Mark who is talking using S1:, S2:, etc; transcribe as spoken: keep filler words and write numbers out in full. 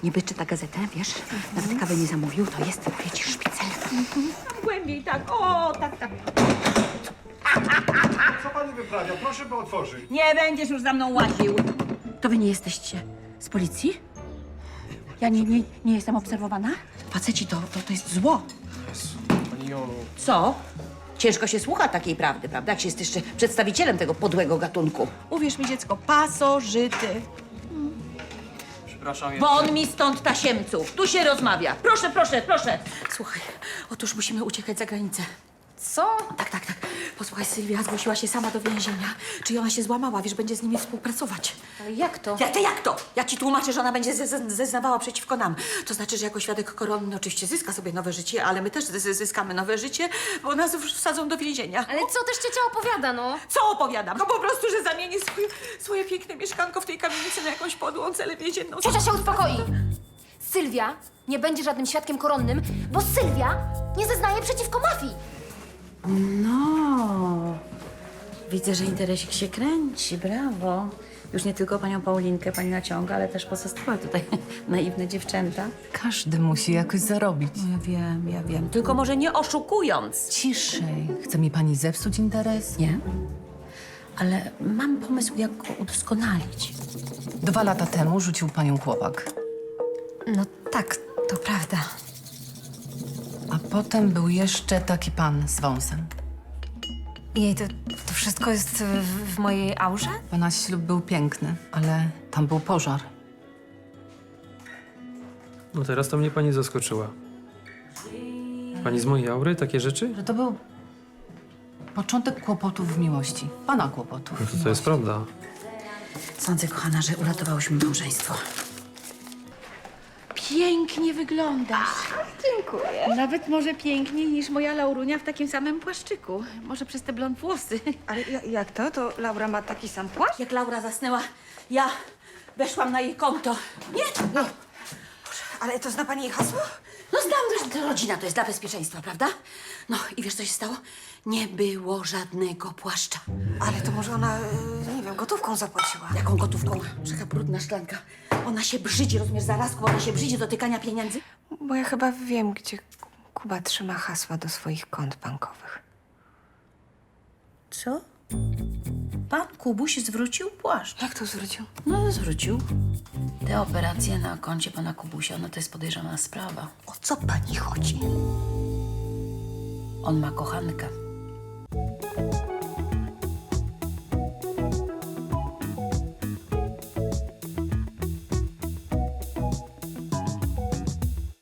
S1: Niby czyta gazetę, wiesz? Nawet kawy nie zamówił, to jest, mówię ci, szpicel. Głębiej, tak, o, tak, tak.
S2: Co pani wyprawia? Proszę by otworzyć.
S1: Nie będziesz już za mną łaził. To wy nie jesteście z policji? Ja nie, nie, nie jestem obserwowana? Faceci to, to, to jest zło.
S2: Pani Jolu.
S1: Co? Ciężko się słucha takiej prawdy, prawda? Jak się jest jeszcze przedstawicielem tego podłego gatunku. Uwierz mi, dziecko, pasożyty.
S3: Przepraszam, ja...
S1: Won mi stąd, tasiemców. Tu się rozmawia. Proszę, proszę, proszę. Słuchaj, otóż musimy uciekać za granicę.
S4: Co?
S1: Tak, tak, tak. Posłuchaj, Sylwia zgłosiła się sama do więzienia. Czy ona się złamała? Wiesz, będzie z nimi współpracować.
S4: Ale jak to?
S1: Jak to, jak to? Ja ci tłumaczę, że ona będzie ze- ze- zeznawała przeciwko nam. To znaczy, że jako świadek koronny oczywiście zyska sobie nowe życie, ale my też zy- zyskamy nowe życie, bo nas już wsadzą do więzienia.
S4: Ale co też ciocia opowiada, no?
S1: Co opowiadam? No po prostu, że zamienię swoje, swoje piękne mieszkanko w tej kamienicy na jakąś podłą celę więzienną.
S4: Ciocia się uspokoi! Sylwia nie będzie żadnym świadkiem koronnym, bo Sylwia nie zeznaje przeciwko mafii.
S1: No, widzę, że interesik się kręci, brawo. Już nie tylko panią Paulinkę pani naciąga, ale też pozostałe tutaj naiwne dziewczęta.
S5: Każdy musi jakoś zarobić.
S1: Ja wiem, ja wiem, tylko może nie oszukując.
S5: Ciszej. Chce mi pani zepsuć interes?
S1: Nie, ale mam pomysł, jak go udoskonalić.
S5: Dwa lata temu rzucił panią chłopak.
S4: No tak, to prawda.
S5: A potem był jeszcze taki pan z wąsem.
S4: Jej, to, to wszystko jest w, w mojej aurze?
S5: Pana ślub był piękny, ale tam był pożar.
S3: No teraz to mnie pani zaskoczyła. Pani z mojej aury takie rzeczy?
S5: Że to był początek kłopotów w miłości. Pana kłopotów.
S3: No
S5: w
S3: to, to jest
S5: miłości.
S3: prawda.
S1: Sądzę, kochana, że uratowałyśmy małżeństwo. Pięknie wyglądasz. Dziękuję. Nawet może piękniej niż moja Laurunia w takim samym płaszczyku. Może przez te blond włosy.
S6: Ale ja- jak to? To Laura ma taki sam płaszcz?
S1: Jak Laura zasnęła, ja weszłam na jej konto. Nie! No,
S6: Ale to zna pani jej hasło?
S1: no znam, że to rodzina to jest dla bezpieczeństwa, prawda? No i wiesz, co się stało? Nie było żadnego płaszcza.
S6: Ale to może ona, y, nie wiem, gotówką zapłaciła.
S1: Jaką gotówką? Taka brudna szklanka. Ona się brzydzi, rozumiesz, zarazku, ona się brzydzi dotykania pieniędzy.
S6: Bo ja chyba wiem, gdzie Kuba trzyma hasła do swoich kont bankowych.
S1: Co? Pan Kubuś zwrócił płaszcz.
S6: Jak to zwrócił?
S1: No, zwrócił. Te operacje na koncie pana Kubusia, no to jest podejrzana sprawa.
S6: O co pani chodzi?
S1: On ma kochankę.